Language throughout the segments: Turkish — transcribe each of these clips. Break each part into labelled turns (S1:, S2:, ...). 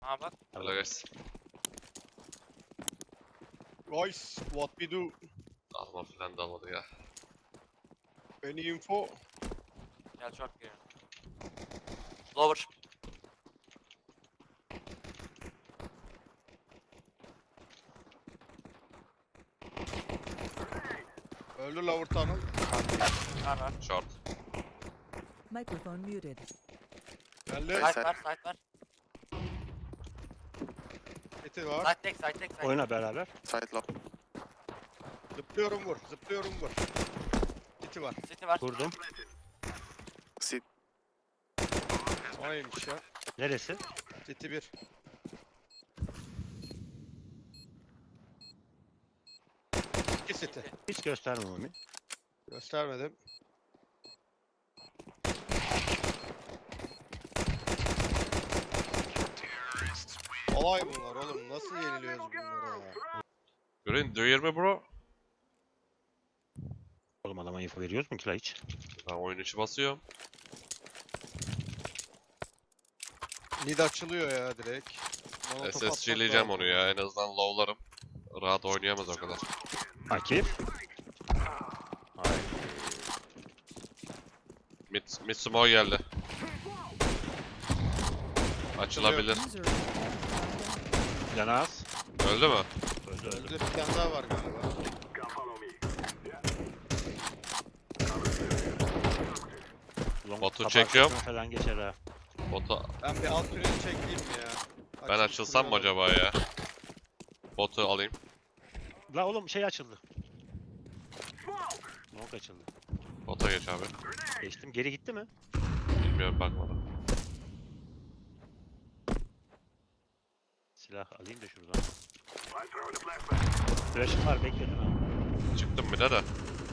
S1: Aha bak.
S2: Hello guys.
S3: Guys, what we do?
S2: Alma falan da almadı ya.
S3: Any info?
S1: Gel short giriyor. Lower.
S3: Öldü lower tunnel.
S1: Var.
S2: Short.
S4: Microphone muted.
S3: Geldi.
S1: Side var, side var.
S3: Eti var.
S1: Side tek, side tek, side.
S5: Oyna beraber.
S6: Side low.
S3: Zıplıyorum vur. Zıplıyorum vur. Eti var.
S1: City var.
S5: Kurdum.
S6: Sit.
S3: O neymiş ya?
S5: Neresi?
S3: Eti bir. İki seti.
S5: Hiç gösterme Mami.
S3: Göstermedim. Olay bunlar oğlum. Nasıl yeniliyoruz bunlara ya?
S2: Green, do you hear me bro?
S5: Oğlum adama info veriyoruz mu ki la hiç?
S2: Ben oyun içi basıyorum.
S3: Mid açılıyor ya direkt. Molotov
S2: SSG'leyeceğim
S3: atmak
S2: onu ya. En azından low'larım. Rahat oynayamaz o kadar.
S5: Akif. Hayır.
S2: Mid smoke geldi. Açılabilir.
S4: User
S5: Canaz.
S2: Öldü mü?
S5: Öldü
S3: lazım.
S5: öldü.
S3: Öldü, bir tane daha var galiba.
S5: Long
S2: Botu
S5: kapağı
S2: çekiyorum.
S5: arkasına falan geçer ha.
S2: Botu
S3: Ben bir alt tüneli çekeyim mi ya?
S2: ben açılsam mı acaba ya? Botu alayım.
S5: La oğlum şey açıldı. Long açıldı.
S2: Bota geç abi.
S5: Geçtim. Geri gitti mi?
S2: Bilmiyorum bakmadım.
S5: Silah alayım da şuradan. Flash'ım var bekledim ha.
S2: Çıktım bir de.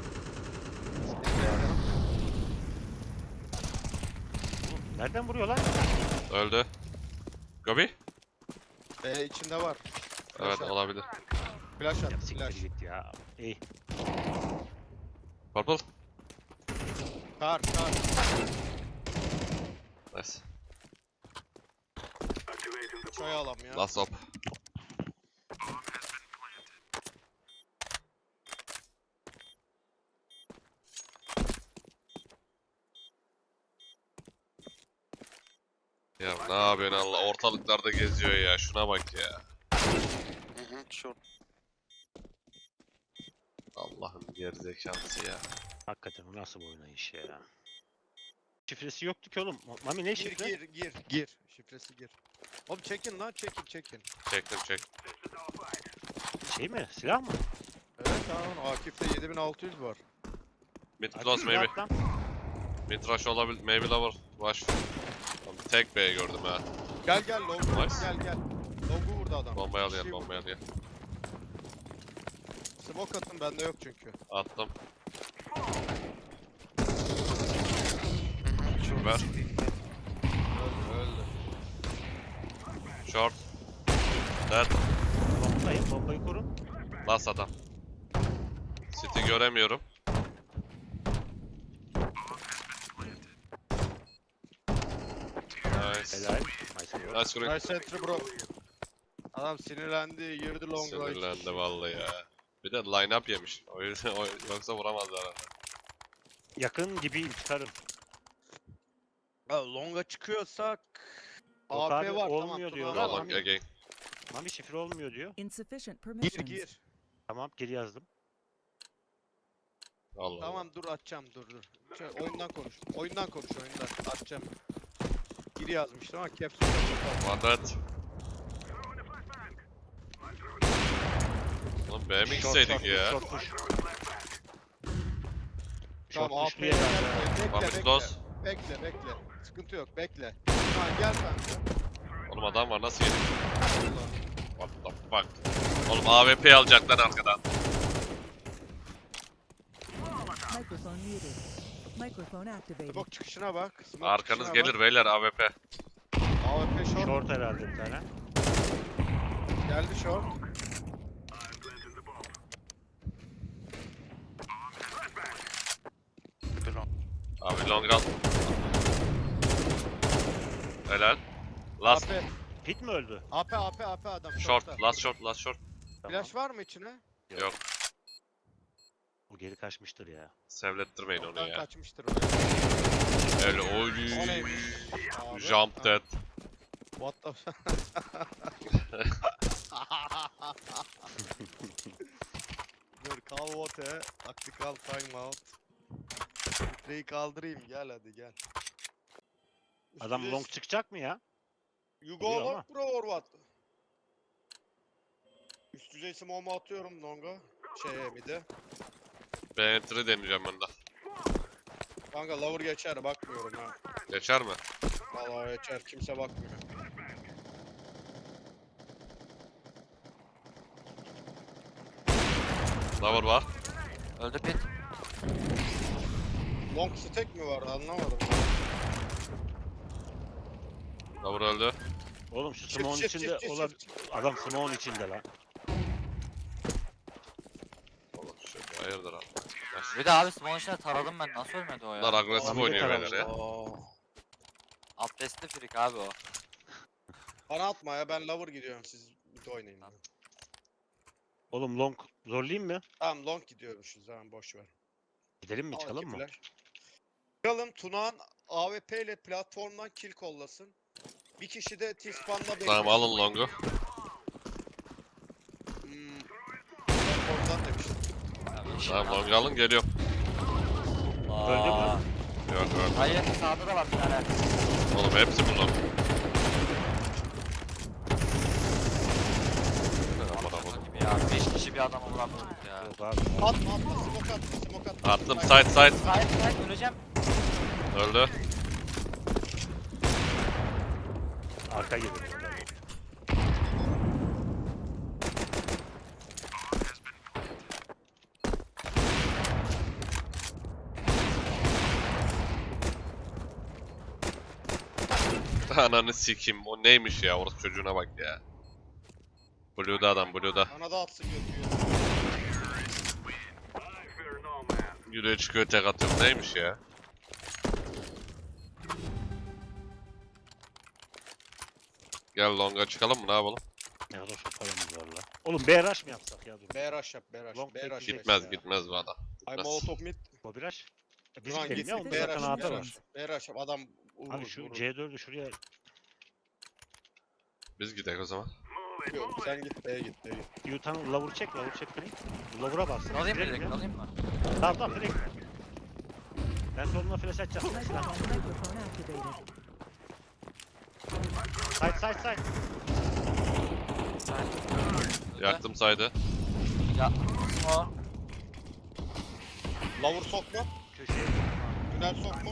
S5: Nereden vuruyor lan?
S2: Öldü. Gobi?
S3: içinde var.
S2: Evet
S3: at.
S2: olabilir.
S3: Flash
S5: Ya
S3: at,
S5: siktir
S3: flash.
S5: git ya. İyi.
S2: Purple.
S3: Kar.
S2: Nice.
S3: Çay alam ya.
S2: Last up. Ya ne yapıyorsun Allah ortalıklarda geziyor ya şuna bak ya.
S6: Short.
S2: Allah'ın gerizekalısı ya.
S5: Hakikaten bu nasıl bir oynayış ya. Şifresi yoktu ki oğlum. Mami ne şifre?
S3: Gir. Şifresi gir. Oğlum çekin lan, çekin.
S2: Çektim çek.
S5: Şey mi? Silah mı?
S3: Evet tamam, Akif'te 7600 var.
S2: Mid
S5: Akif
S2: close maybe.
S5: silah lan.
S2: Mid rush olabilir. Maybe lower. Rush. Tek B gördüm ha.
S3: Gel longu,
S2: Nice.
S3: gel. Longu vurdu adam.
S2: Bombayı
S3: Bir şey
S2: alayım
S3: vurdu.
S2: bombayı alayım.
S3: Smoke atın, bende yok çünkü.
S2: Attım.
S6: Short.
S2: Ver.
S6: City.
S3: Öldü.
S2: Short. Dead.
S5: Bombayı korun.
S2: Last adam. City göremiyorum. Nice.
S5: Helal. Nice work.
S2: Nice green.
S3: Nice entry bro. Adam sinirlendi, girdi long range.
S2: Sinirlendi vallahi ya. Bir de line up yemiş. O yüzden yoksa vuramazlar herhalde.
S5: Yakın gibi çıkarım.
S3: Ya longa çıkıyorsak...
S5: Yok
S3: AP
S5: abi,
S3: var
S5: olmuyor
S3: tamam.
S5: diyorlar.
S3: Tuna
S2: Go
S3: var.
S2: long again.
S5: Mami şifre olmuyor diyor.
S4: insufficient permissions.
S3: Gir.
S5: Tamam geri yazdım.
S2: Allah
S3: Tamam dur atacağım dur. Oyundan konuş. Oyundan. Atacağım. Gir yazmıştım ama caps lock
S2: Allah. One dead. Oğlum B mi gitseydik ya?
S5: Short push.
S3: Tamam
S5: Short
S3: AP
S5: push bir yerden daha.
S2: One is close.
S3: Bekle. Sıkıntı yok bekle. Ha gel sen de.
S2: Oğlum adam var nasıl yedik? What the fuck? Oğlum AWP alacaklar arkadan.
S4: Microphone muted. Microphone activated.
S3: Smoke çıkışına bak. Smoke
S2: Arkanız
S3: çıkışına
S2: gelir beyler AWP.
S3: Bak. AWP short.
S5: Short herhalde bir tane.
S3: Geldi short.
S6: Belong.
S2: Abi long run. Helal. Last.
S3: AP.
S5: Pit mi öldü?
S3: AP adam.
S2: Short,
S3: short'ta.
S2: last short, last short.
S5: Tamam.
S3: Flash var mı içine?
S2: Yok.
S5: O geri kaçmıştır ya.
S2: Sevlettirmeyin onu
S3: Short'tan
S2: ya.
S3: kaçmıştır oraya.
S2: Öyle
S3: O
S2: oy.
S3: neymiş? Abi,
S2: Jump
S3: ha,
S2: dead.
S3: What the Dur call vote. Tactical timeout. Filtreyi kaldırayım gel hadi gel.
S5: Adam
S3: Üst
S5: long
S3: düzey-
S5: çıkacak mı ya?
S3: You
S5: Vuruyor
S3: go
S5: ama.
S3: long bro or what? Üst düzey smoke'umu atıyorum longa. Mid'e.
S2: Ben entry deneyeceğim ben de.
S3: Kanka lower geçer bakmıyorum ha.
S2: Geçer mi?
S3: Vallahi geçer kimse bakmıyor.
S2: Lover var.
S1: Öldü pit.
S3: Long stack mi var anlamadım.
S2: Lover öldü.
S5: Oğlum şu
S3: Çift,
S5: smoke'un
S3: çift,
S5: içinde
S3: çift,
S5: olan...
S3: çift.
S5: Adam smoke'un içinde lan.
S2: Oğlum şey hayırdır abi.
S1: Bir de abi small içine taradım ben. Nasıl ölmedi o
S2: Bunlar
S1: ya?
S2: agresif
S5: Abi de
S2: oynuyor
S5: taraflı.
S2: beyler ya.
S1: Abdestli frik abi o.
S3: Bana atma ya ben lover gidiyorum siz bir de oynayın.
S1: Tamam.
S5: Oğlum long zorlayayım mı?
S3: Tamam long gidiyormuşuz zaman boş ver.
S5: Gidelim mi
S3: Al
S5: çıkalım
S3: iki
S5: mı?
S3: flash. Çıkalım Tunağan AWP ile platformdan kill kollasın. Bir kişi de T-Spawn'la beklesin.
S2: Tamam alın longu.
S3: Platformdan demiştim.
S2: Tamam longu alın geliyorum.
S5: Öldü mü?
S2: Yok yok.
S1: Hayır sağda da var bir tane.
S2: Oğlum hepsi bu long.
S1: Şaka gibi ya. 5 kişi bir adama vuramıyorduk ya.
S5: Yok abi.
S3: Atma smoke atma smoke atma.
S2: Attım side side.
S1: Sahip öleceğim.
S2: Öldü.
S5: Arka geliyor.
S2: Ananı sikeyim. O neymiş ya? Orası çocuğuna bak ya. Blue'da adam Blue'da.
S3: Bana da atsın götürüyor.
S2: Yürüye çıkıyor tek atıyorum. Neymiş ya? Gel longa çıkalım mı? Ne yapalım?
S5: Ne kadar çok paramız var lan. Oğlum BRH mı yapsak ya dur.
S3: B-rush yap B-rush.
S5: Long
S3: B-rush
S5: tek
S3: yap
S2: Gitmez
S3: ya.
S2: gitmez bu adam.
S3: Ay
S2: Gitmez.
S3: molotov mid.
S5: Bu BRH. Biz
S3: Turan
S5: gidelim
S3: git
S5: ya.
S3: git
S5: Onda
S4: B-rush,
S5: zaten
S3: B-rush
S5: ağda var.
S3: B-rush. B-rush yap adam vurur.
S5: Abi şu
S3: vurur.
S5: C4'ü şuraya
S2: Biz gidelim o zaman.
S3: Yok, sen git B'ye git B'ye git.
S5: Yutan lavur çek Frank. Lavura bas.
S1: Alayım mı
S5: Direkt
S1: direkt
S5: ya.
S1: alayım mı?
S5: Tamam Frank. Ben soluna flash atacağım.
S4: Microphone activated.
S5: Side.
S2: Yaktım saydı.
S1: Ya small.
S3: Lover sokma.
S5: Köşeye.
S3: Tünel sokma.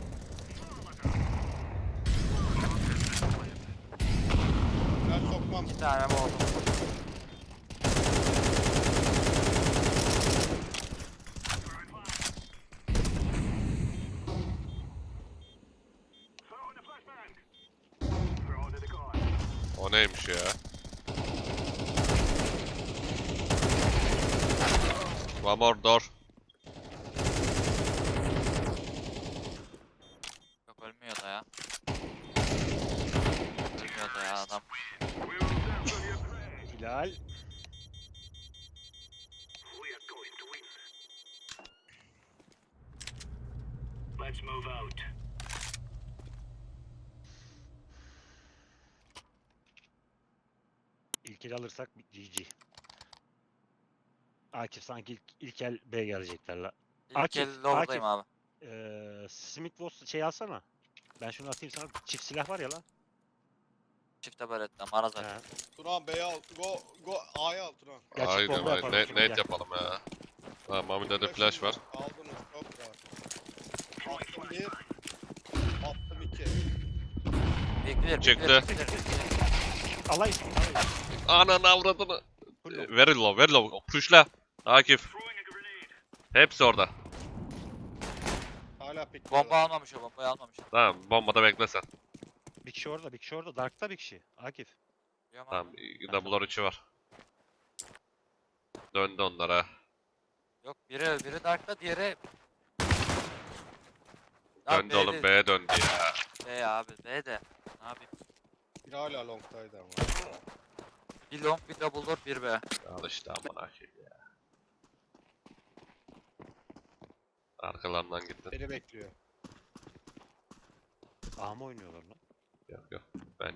S3: Tünel sokmam.
S1: Bir tane oldu.
S2: O neymiş ya? One more door.
S1: Yok ölmüyor da ya. Ölmüyor da ya adam.
S5: Hilal. İlk el alırsak GG. Akif sanki ilk el B gelecekler la.
S1: İlk
S5: Akif,
S1: el lower'dayım abi.
S5: Smith Wesson şey alsana. Ben şunu atayım sana. Çift silah var ya lan.
S1: Çifte baretle maraz
S5: He.
S1: var.
S3: Turan B'ye al. Go A'ya al Turan.
S5: Gerçek
S2: Haydi
S5: bomba
S2: haydi.
S5: yapalım
S2: Net,
S5: şimdi,
S2: net
S5: gel.
S2: yapalım ya. Ha, Mami'de de flash var.
S3: Aldınız çok rahat. Attım bir. Attım iki.
S1: Bekler.
S2: Çıktı.
S5: Alay.
S2: Ananı avradını.
S5: Full low.
S2: Very low. Pushla. Akif. Hepsi orada.
S3: Hala pik.
S1: Bomba almamış o bombayı almamış.
S2: Tamam bombada bekle sen.
S5: Bir kişi orada, bir kişi orada. Dark'ta bir kişi. Akif.
S1: Biliyorum
S2: Tamam
S1: abi.
S2: double'lar içi var. Döndü onlara.
S1: Yok biri Dark'ta diğeri...
S2: Döndü oğlum B'ye döndü ya.
S1: B abi B de. Ne yapayım?
S3: Bir hala long'taydı ama.
S1: Bir long, bir double door, bir B.
S2: Al işte aman akıyım ya. Arkalarından gittin.
S3: Beni bekliyor.
S5: A mı oynuyorlar lan?
S2: Yok yok. Ben.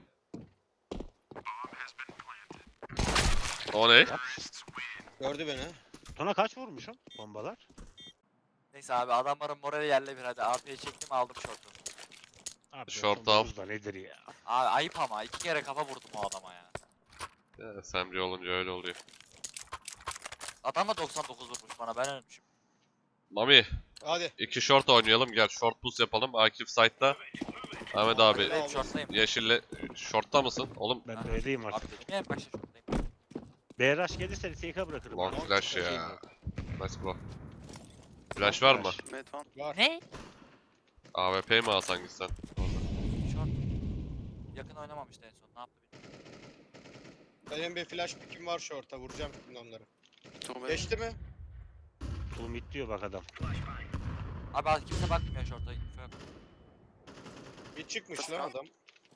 S2: O ne?
S3: Gördü beni.
S5: Tuna kaç vurmuşum bombalar?
S1: Neyse abi adamların morali yerle bir hadi. AP'yi çektim aldım short'u.
S5: Abi
S2: Short
S5: 99 da nedir ya?
S1: Abi ayıp ama 2 kere kafa vurdum o adama ya.
S2: Ya, SMG olunca öyle oluyor.
S1: Adam da 99 vurmuş bana ben ölmüşüm.
S2: Mami,
S3: Hadi.
S2: 2 short oynayalım. Gel short push yapalım. Akif side'da. Ahmet abi,
S1: Evet short'tayım.
S2: yeşille short'ta mısın? Oğlum
S5: Ben
S1: Aha.
S5: B'deyim
S1: Abi
S5: artık.
S1: dedim ya en başta short'tayım.
S5: B rush gelirse TK bırakırım.
S2: long
S5: abi.
S2: flash ya. Nice bro. Flash var mı?
S6: Mid one.
S3: Var.
S1: Ne?
S2: AWP mi alsan gitsen?
S1: Short. Yakın oynamamıştı en son ne yaptı bilmiyorum.
S3: Benim bir flash pick'im var short'a. Vuracağım şimdi onları.
S6: Two mid.
S3: Geçti mi?
S5: Full mid diyor bak adam.
S1: Abi kimse bakmıyor short'a. info yok.
S3: Bir çıkmış lan adam.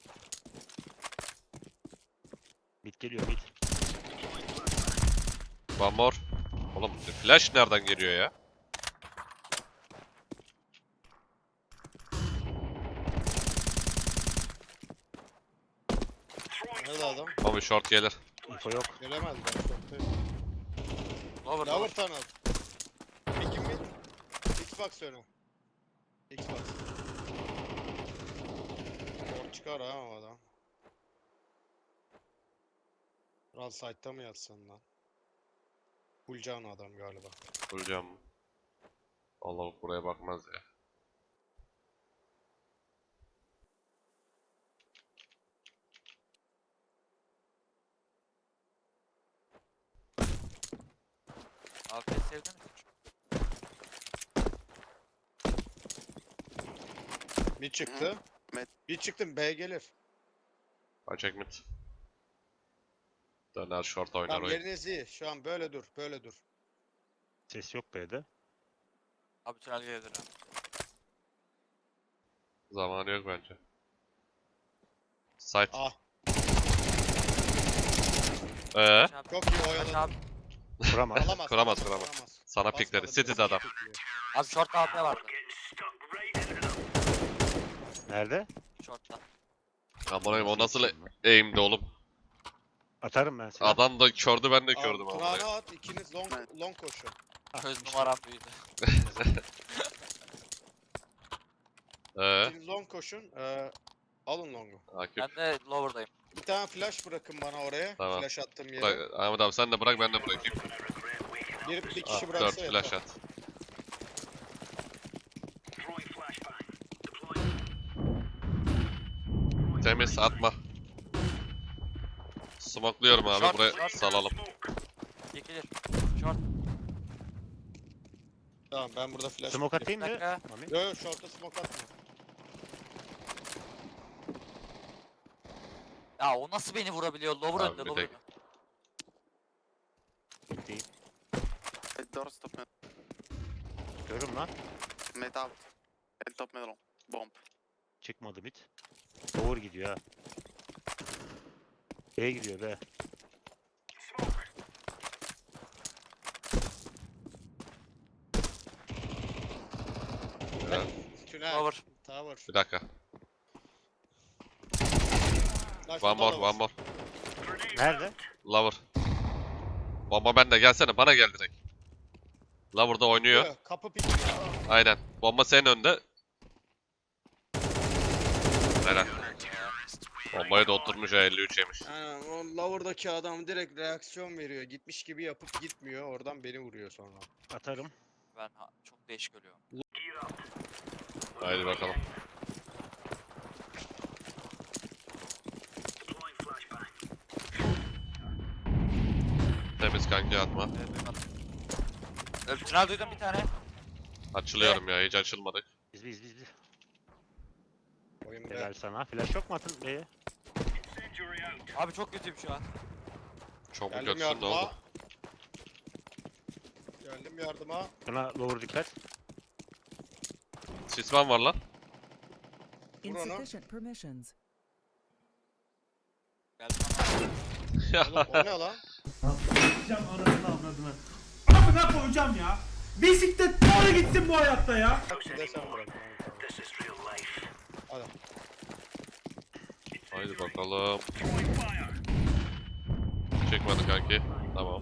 S5: Mid geliyor mid.
S2: One more. Oğlum flash nereden geliyor ya?
S3: Nerede adam?
S2: Mami short gelir.
S5: Info yok.
S3: Gelemez ben short'tayım.
S1: Lower
S3: Lower
S1: lower.
S3: tunnel. Pick'im mid. Xbox önü. Xbox. Short çıkar ha o adam. Kral site'da mı yatsın lan? Bulcan adam galiba.
S2: Vuracağım. Allah buraya bakmaz ya.
S1: Abi sevdin mi?
S3: Bir çıktı.
S6: Mid.
S3: Bir çıktım B gelir.
S2: Açık mid. Döner short oynar
S3: Tamam
S2: oyun.
S3: yeriniz iyi. Şu an böyle dur. Böyle dur.
S5: Ses yok B'de.
S1: Abi tünel gelebilir ha.
S2: Zamanı yok bence. Site.
S3: Ah.
S1: Aç abi.
S3: Çok iyi
S1: Aç
S3: oyaladın.
S1: abi.
S5: Kuramaz.
S3: Alamaz.
S2: Kuramaz. Sana
S3: Basmadı,
S2: pikledi.
S3: biraz
S2: City'de adam.
S3: bekliyor.
S1: Abi short'ta AP vardı.
S5: Nerede?
S1: Short'ta.
S2: Aman o nasıl
S5: yetişeyim lan?
S2: aim'di oğlum.
S5: Atarım ben seni.
S2: Adam da kördü ben de
S3: Al,
S2: kördüm ama.
S3: Tunağına at. İkiniz long,
S6: Evet.
S3: long koşun.
S1: Göz numaram büyüdü.
S3: İkiniz long koşun. Alın long'u.
S2: Akif.
S1: Ben de lower'dayım.
S3: Bir tane flash bırakın bana oraya.
S2: Tamam.
S3: Flash attığım yere.
S2: Bırak, Ahmet abi sen de bırak ben de bırakayım.
S3: Bir
S2: Ah,
S3: kişi
S2: 4
S3: bıraksa yeter.
S2: flash at. Temiz atma. Smokluyorum abi
S1: Short,
S2: buraya
S1: short.
S2: salalım.
S1: Çekilir. Short.
S3: Tamam ben burada flash.
S5: Smoke atayım mı?
S1: Dakika.
S5: Mami.
S3: Yo yo short'a smoke atma.
S1: Ya o nasıl beni vurabiliyor? Lower
S2: Abi
S1: önde
S2: bir
S1: lower
S2: tek-
S1: önde.
S5: Mid değil.
S6: Mid door stop mid.
S5: Görüm lan.
S6: Mid out. Mid top middle. Bomb.
S5: Çıkmadı mid. Doğru gidiyor ha. B gidiyor B.
S2: Evet.
S3: Tünel.
S1: Lower.
S3: Tower.
S2: Bir dakika.
S3: Lan
S2: One more,
S3: şurada
S2: one more.
S5: Nerede?
S2: Lover. Bomba bende gelsene bana gel direkt. Lover'da oynuyor.
S3: Yo, kapı pik.
S2: Aynen. Bomba senin önünde. Helal. Bombayı da oturmuş ha 53 yemiş.
S3: Yani o lower'daki adam direkt reaksiyon veriyor. Gitmiş gibi yapıp gitmiyor. Oradan beni vuruyor sonra.
S5: Atarım.
S1: Ben çok değişik ölüyorum.
S2: Haydi bakalım. Temiz kanki atma.
S1: Evet duymadım. Tünel duydum bir tane.
S2: Açılıyorum ya hiç açılmadık.
S5: Biz.
S3: Oyun be.
S5: Helal sana. Flash yok mu atın B'ye?
S1: Abi çok kötüyüm şu an.
S2: Çok mu
S3: Geldim
S2: kötüsün ne
S3: yardıma.
S2: oldu?
S3: Geldim yardıma.
S5: Buna lower dikkat.
S2: Sisman var lan.
S3: Vur onu.
S4: Insufficient permissions.
S3: Oğlum o ne lan?
S7: Gideceğim anasını avradını. Amına koyacağım ya. Bisiklet doğru gitsin bu hayatta ya.
S3: Bir de sen bırak. Hadi.
S2: Haydi bakalım. Çekmedi kanki. Tamam.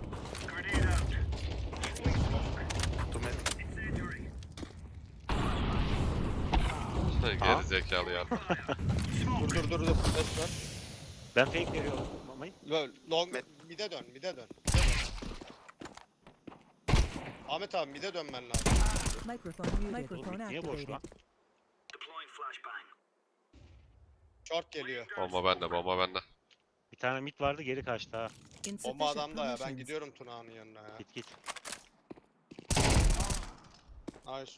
S2: Geri zekalı ya.
S3: Dur. Ses ver.
S5: Ben fake veriyorum Mami.
S3: Long mide dön. Ahmet abi mide dönmen lazım.
S4: Microphone muted. Microphone
S5: Oğlum niye boş
S4: activated.
S5: lan?
S3: Short geliyor.
S2: Bomba bende.
S5: Bir tane mid vardı geri kaçtı ha.
S3: Bomba
S4: Insufficient
S3: adamda ya. Ben
S4: permissions.
S3: gidiyorum Tuna'nın yanına ya.
S5: Git.
S3: Nice.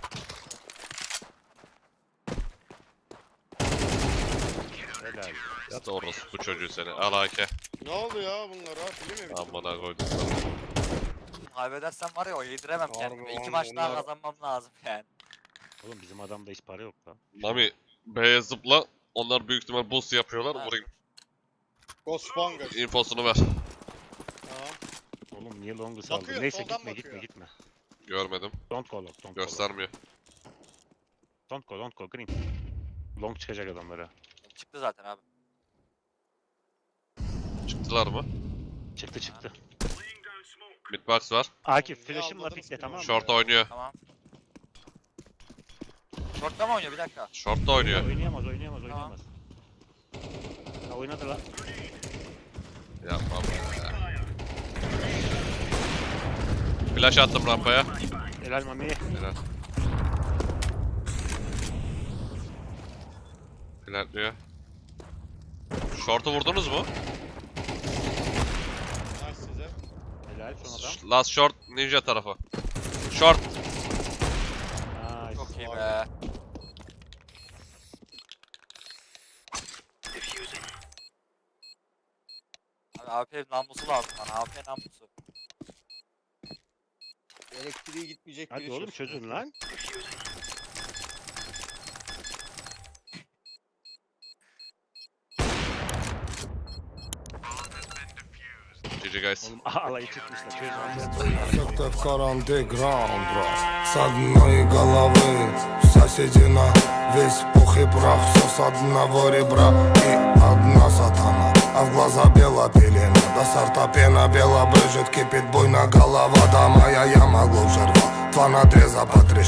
S5: Helal.
S2: İşte orası bu çocuğu seni. Al hake.
S3: Ne oldu ya bunlara? Film mi?
S2: Amına koydum sana.
S1: Kaybedersem var ya o yediremem
S3: Harbi
S1: kendime.
S3: lan,
S1: 2 maç daha
S3: bunlar-
S1: kazanmam lazım yani.
S5: Oğlum bizim adamda hiç para yok lan.
S2: Mami B'ye zıpla. Onlar büyük ihtimal boost yapıyorlar.
S1: Ha.
S2: Vurayım.
S3: Ghost Spongers.
S2: İnfosunu ver.
S3: Tamam.
S5: Oğlum niye long'u saldın?
S3: Bakıyor,
S5: Neyse
S3: soldan
S5: gitme
S3: bakıyor.
S5: gitme.
S2: Görmedim.
S5: Don't go long.
S2: Göstermiyor.
S5: Don't go green. Long çıkacak adamlara.
S1: Çıktı zaten abi.
S2: Çıktılar mı?
S5: Çıktı.
S2: Midbox var.
S5: Akif
S3: Ne
S5: flash'ımla
S3: anladınız
S5: pikle
S3: ki
S5: tamam mı?
S2: Short oynuyor.
S1: Tamam. Short'ta mı oynuyor bir dakika?
S2: Short da oynuyor.
S5: Oynayamaz.
S1: Tamam.
S5: Ha oynadı lan.
S2: Yapma be. Flash attım rampaya.
S5: Helal Mami.
S2: Helal. Flanklıyor. Short'u vurdunuz mu?
S3: Nice size.
S5: Helal son adam.
S2: Last short ninja tarafı. Short.
S5: Nice.
S1: Çok iyi
S3: Vay
S1: be. Abi AP namlusu lazım bana. AP namlusu.
S3: Elektriği gitmeyecek
S5: Hadi
S3: biri
S5: oğlum
S3: çözsün.
S5: çözün lan.
S2: GG guys.
S5: Oğlum alayı çıkmışlar çözün.
S8: Где-то в каранте граунд с одной головы соседи на весь пух и прах. Все с одного ребра и одна сатана, а в глаза бела пелена. До сорта пена бела брызжет, кипит буйно голова. Да моя яма глубже рва, два надреза по три